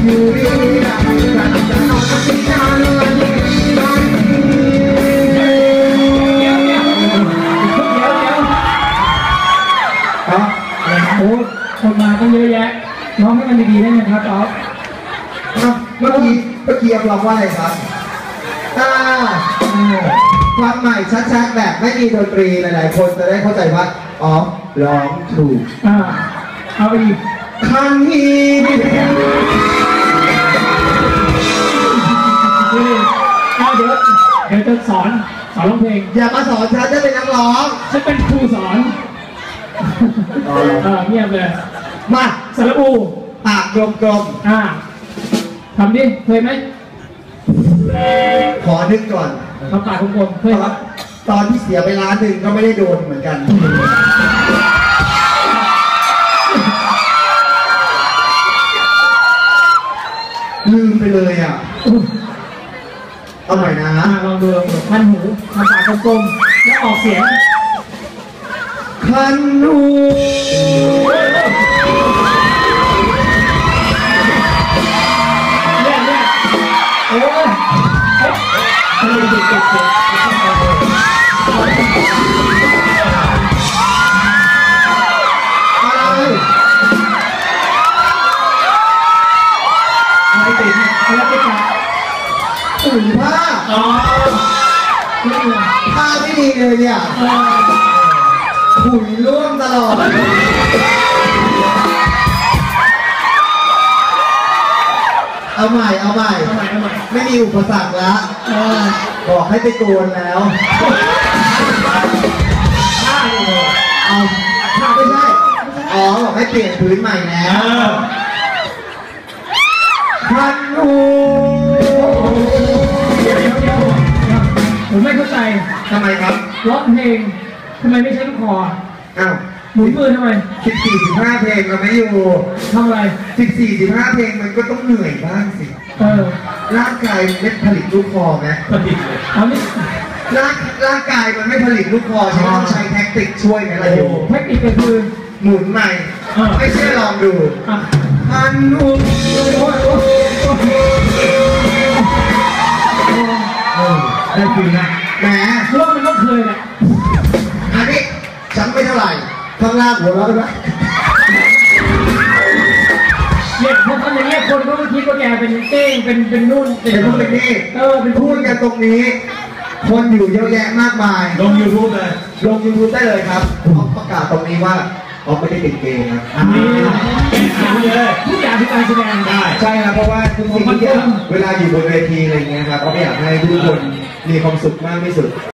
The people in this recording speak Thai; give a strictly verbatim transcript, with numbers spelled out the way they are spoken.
อยู่ดีกันจะนอนที่นอนเลยนอนเดี๋ยวเดี๋ยวเดี๋ยวเดี๋ยวเดี๋ยวอ๋อโอ้คนมาก็เยอะแยะน้องให้มันดีๆได้ไหมครับอ๊อฟเมื่อกี้เมื่อกี้เราว่าอะไรครับอ่าความใหม่ชัดๆแบบไม่มีดนตรีหลายๆคนจะได้เข้าใจว่าอ๋อร้องถูกอ่าเอาอีกคันฮีเอาเดี๋ยวเดี๋ยวจะสอนสอนร้องเพลงอย่ามาสอนฉันจะเป็นนักร้องฉันเป็นครูสอนเออเงียบเลยมาสระอูปากกลมๆอ่าทำดิเคยไหมขอนึกก่อนทำปากกลมๆเคยครับตอนที่เสียไปล้านหนึ่งก็ไม่ได้โดนเหมือนกันลืมไปเลยอ่ะเอาใหม่นะลองดูลองดูคันหูทำปากกลมๆแล้วออกเสียงคันหูเนี่ยเนี่ยโอ้ยอะไรเด็กๆอะไรอะไรติดอะไรติดกันถุงผ้าอ๋อผ้าไม่ดีเลยเนี่ยถุยร่วงตลอดเอาใหม่เอาใหม่ไม่มีอุปสรรคแล้วบอกให้ไปโกนแล้วเอาไม่ใช่อ๋อบอกให้เปลี่ยนพื้นใหม่แล้วพันหูผมไม่เข้าใจทำไมครับร้องเพลงทำไมไม่ใช้ลูกคออ้าวหมุนมือทำไมสิบสี่สิบห้าเพลงเราไม่อยู่ทำอะไรสิบสี่สิบห้าเพลงมันก็ต้องเหนื่อยบ้างสิเออร่างกายไม่ผลิตลูกคอไหมผลิตเลยเอานี่ร่างร่างกายมันไม่ผลิตลูกคอใช่ต้องใช้แท็กติกช่วยไหมล่ะอยู่เทคนิคก็คือหมุนใหม่ไม่เชื่อลองดูพันหูได้จริงนะแหมพวกมันต้องเคยแหละอันนี้ฉันไม่เท่าไหร่ข้างล่างหัวเราะด้วยเนี่ยพอทำอย่างนี้คนก็ไม่คิดว่าแกเป็นเต้งเป็นเป็นนู่นเป็นนู่นเป็นนี่เออเป็นพูดกันตรงนี้คนอยู่เยอะแยะมากมายลง ยูทูบ เลยลง ยูทูบ ได้เลยครับเขาประกาศตรงนี้ว่าเขาไม่ได้ติดเกมนะทุกอย่างคือการแสดงได้ใช่ครับเพราะว่าทุกทีเวลาอยู่บนเวทีอะไรเงี้ยครับเขาไม่อยากให้ทุกคนมีความสุขมากที่สุด